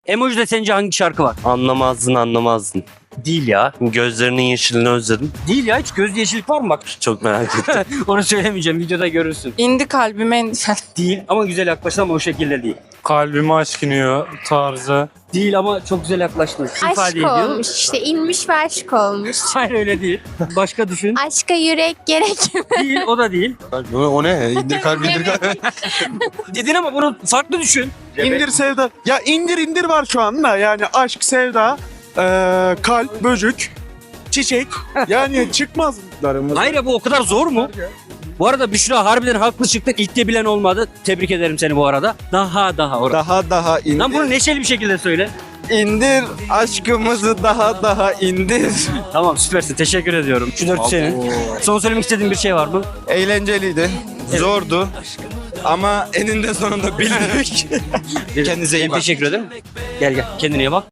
Emoji'de sence hangi şarkı var? Anlamazdın. Değil ya. Gözlerinin yeşilini özledim. Değil ya, hiç göz yeşillik var mı bak? Çok merak ettim. Onu söylemeyeceğim, videoda görürsün. İndi kalbime endişen. Değil ama güzel yaklaştın ama o şekilde değil. Kalbime aşk iniyor tarzı. Değil ama çok güzel yaklaştın. İfade Aşk ediyor. olmuş işte, inmiş ve aşk olmuş. Hayır öyle değil. Başka düşün. Aşka yürek gerek mi? Değil, o da değil. O ne? İndir kalp indir kalp. Dedin ama bunu farklı düşün. İndir sevda. Ya indir var şu anda. Yani aşk, sevda, kalp, böcük, çiçek. Yani çıkmaz. Hayır bu o kadar zor mu? Bu arada Büşra harbiden haklı çıktın. İlk de bilen olmadı. Tebrik ederim seni bu arada. Daha. Daha indir. Lan bunu neşeli bir şekilde söyle. İndir aşkımızı daha indir. Tamam süpersin. Teşekkür ediyorum. Şu 4 senin. Son söylemek istediğin bir şey var mı? Eğlenceliydi. Zordu. Ama eninde sonunda bildik. Kendinize iyi bakın. Teşekkür ederim. Gel. Kendine iyi bak.